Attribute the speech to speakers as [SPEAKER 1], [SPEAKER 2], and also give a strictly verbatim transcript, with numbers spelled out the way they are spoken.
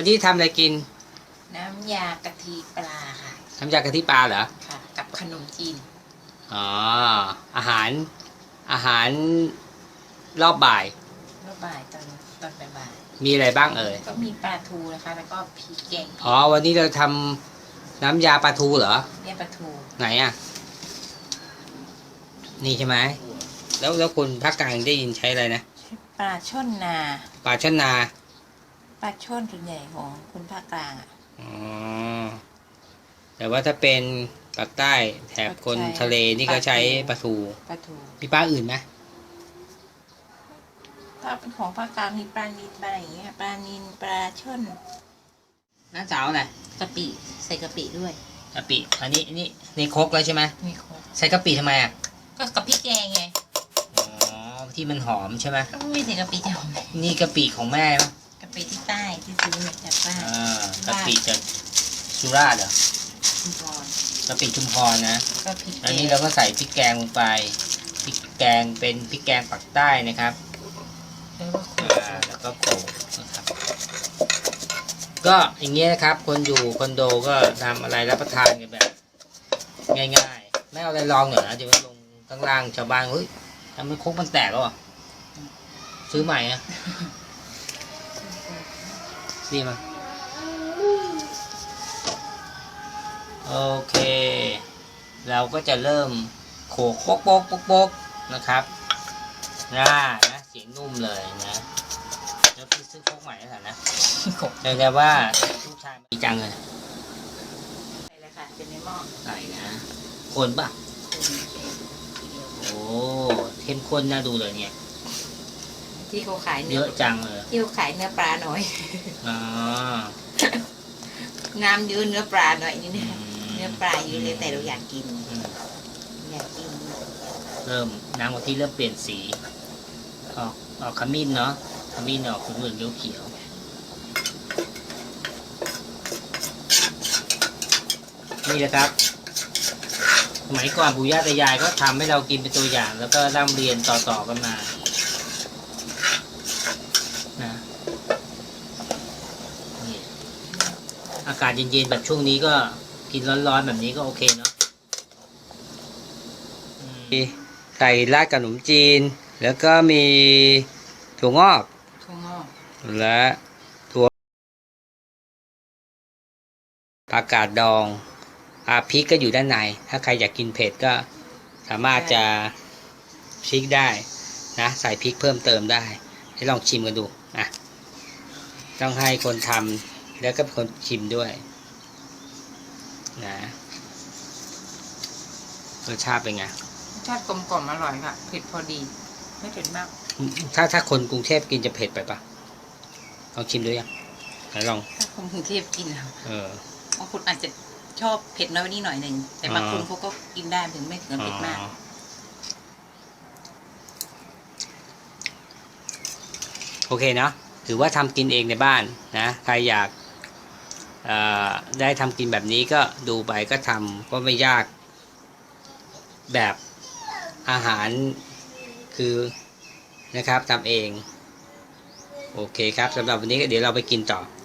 [SPEAKER 1] วันนี้ทำอะไรกิน
[SPEAKER 2] น้ำยากะทิปลาค่ะ
[SPEAKER 1] น้ำยากะทิปลาเหรอ
[SPEAKER 2] ค่ะกับขนมจีน
[SPEAKER 1] อ๋ออาหารอาหารรอบบ่าย
[SPEAKER 2] รอบบ่ายตอนตอนบ่าย
[SPEAKER 1] มีอะไรบ้างเอ่ย
[SPEAKER 2] ก็มีปลาทูนะคะแล้วก็พริกแกง
[SPEAKER 1] อ๋อวันนี้เราทำน้ำยาปลาทูเหรอ
[SPEAKER 2] เนี่ยปลาทู
[SPEAKER 1] ไหนอ่ะนี่ใช่ไหมแล้วแล้วคนภาคกลางได้ยินใช้อะไรนะ
[SPEAKER 2] ปลาช่อนนา
[SPEAKER 1] ปลาช่อนนา
[SPEAKER 2] ปลาช่อนส่วนใหญ่ของคนภาคกลางอ่ะ
[SPEAKER 1] อ๋อแต่ว่าถ้าเป็นปากใต้แถบคนทะเลนี่ก็ใช้ปลาทู
[SPEAKER 2] ปลาทู
[SPEAKER 1] มีปลาอื่นไหม
[SPEAKER 2] ถ้าเป็นของภาคกลางมีปลานิลปลาอะไรอย่างเงี้ยปลานิลปลาช่อน
[SPEAKER 1] น้าสาวอะไร
[SPEAKER 2] กะปิใส่กะปิด้วย
[SPEAKER 1] กะปิอันนี้นี่นี่ครกแล้วใช่ไหม
[SPEAKER 2] มีครก
[SPEAKER 1] ใส่กะปิทำไมอ่ะ
[SPEAKER 2] ก็กะปิแกงไง
[SPEAKER 1] อ๋อที่มันหอมใช่ไหม
[SPEAKER 2] ก็ไม่ใส่กะปิจะหอม
[SPEAKER 1] นี่กะปิของแม่ปะ
[SPEAKER 2] กะปิที่ใต้ที่ซื้อมาจากบ้าน
[SPEAKER 1] อ่ากะปิจากสุราษฎร์เหรอ
[SPEAKER 2] ชุมพร
[SPEAKER 1] กะปิชุมพรนะ
[SPEAKER 2] ก็พริก
[SPEAKER 1] อันนี้เราก็ใส่พริกแกงลงไปพริกแกงเป็นพริกแกงปักใต้นะครับแล้วก็โขลกนะครับก็อย่างเงี้ยนะครับคนอยู่คอนโดก็ทำอะไรรับประทานกันแบบง่ายๆไม่เอาอะไรลองเหรอนะเดี๋ยวลงข้างล่างชาวบ้านเฮ้ยทำให้ครกมันแตกแล้วอ่ะซื้อใหม่อ่ะดีมั้ยโอเคเราก็จะเริ่มโขกโป๊กโป๊กโป๊กโป๊กนะครับน่านะเสียงนุ่มเลยนะแล้วพี่ซื้อโป๊กใหม่แล้วนะแต่แต่ว่าลูกชายมีจังเลย
[SPEAKER 2] ใส่เลยค่ะเป็นในหม้อ
[SPEAKER 1] ใส่นะคนป่ะโอ้เข้มข้นน่าดูเลยเนี่ย
[SPEAKER 2] ที่เขาขาย
[SPEAKER 1] เยอะจังเลย
[SPEAKER 2] ที่เขาขายเนื้อปลาหน่อย
[SPEAKER 1] อ๋อ
[SPEAKER 2] น้ำเยอะเนื้อปลาหน่อยนี่เนี่ยเนื้อปลาเยอะเลยแต่เราอยากกินอยากกิน
[SPEAKER 1] เริ่มน้ำกะทิเริ่มเปลี่ยนสีออกออกขมิ้นเนาะขมิ้นออกเหลืองเขียวนี่แหละครับสมัยก่อนปู่ย่าตายายก็ทำให้เรากินเป็นตัวอย่างแล้วก็ร่ำเรียนต่อๆกันมานะนี่อากาศเย็นๆแบบช่วงนี้ก็กินร้อนๆแบบนี้ก็โอเคเนาะใส่ราดกับขนมจีนแล้วก็มีถั่วงอก
[SPEAKER 2] ถั่วงอก
[SPEAKER 1] และถั่วผักกาดดองอาพริกก็อยู่ด้านในถ้าใครอยากกินเผ็ดก็สามารถจะพริกได้นะใส่พริกเพิ่มเติมได้ให้ลองชิมกันดูนะต้องให้คนทำแล้วก็เป็นคนชิมด้วยนะรสชาติเป็นไง
[SPEAKER 2] รสชาติกลมกล่อมอร่อยค่ะเผ็ดพอดีไม่เผ็ดมาก
[SPEAKER 1] ถ้าถ้าคนกรุงเทพกินจะเผ็ดไปปะลองชิมดูยังไหนลอง
[SPEAKER 2] ถ้าคนกรุงเทพกิน
[SPEAKER 1] เออบ
[SPEAKER 2] างคนอาจจะชอบเผ็ดน้อยนิดหน่อยหนึ่งแต่บางคนเขาก็กินได้ถึงไม่ถึงเผ็ดมาก
[SPEAKER 1] โอเคเนาะถือว่าทำกินเองในบ้านนะใครอยากได้ทำกินแบบนี้ก็ดูไปก็ทำก็ไม่ยากแบบอาหารคือนะครับทำเองโอเคครับสำหรับวันนี้เดี๋ยวเราไปกินต่อ